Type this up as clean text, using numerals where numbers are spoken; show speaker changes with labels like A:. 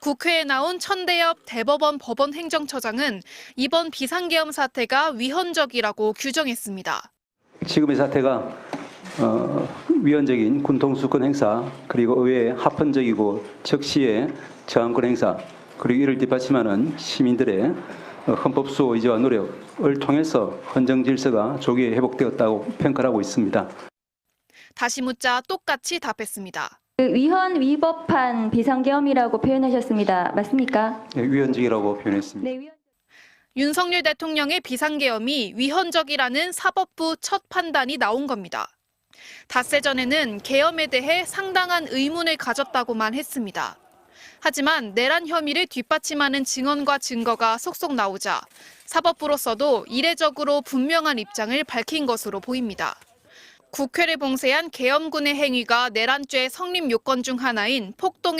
A: 국회에 나온 천대엽 대법원 법원행정처장은 이번 비상계엄 사태가 위헌적이라고 규정했습니다.
B: 지금의 사태가 위헌적인 군통수권 행사, 그리고 의회의 합헌적이고 적시의 저항권 행사, 그리고 이를 뒷받침하는 시민들의 헌법 수호 의지와 노력을 통해서 헌정 질서가 조기에 회복되었다고 평가하고 있습니다.
A: 다시 묻자 똑같이 답했습니다.
C: 위헌 위법한 비상계엄이라고 표현하셨습니다. 맞습니까?
B: 네, 위헌적이라고 표현했습니다.
C: 네,
A: 윤석열 대통령의 비상계엄이 위헌적이라는 사법부 첫 판단이 나온 겁니다. 닷새 전에는 계엄에 대해 상당한 의문을 가졌다고만 했습니다. 하지만 내란 혐의를 뒷받침하는 증언과 증거가 속속 나오자 사법부로서도 이례적으로 분명한 입장을 밝힌 것으로 보입니다. 국회를 봉쇄한 계엄군의 행위가 내란죄 성립 요건 중 하나인 폭동의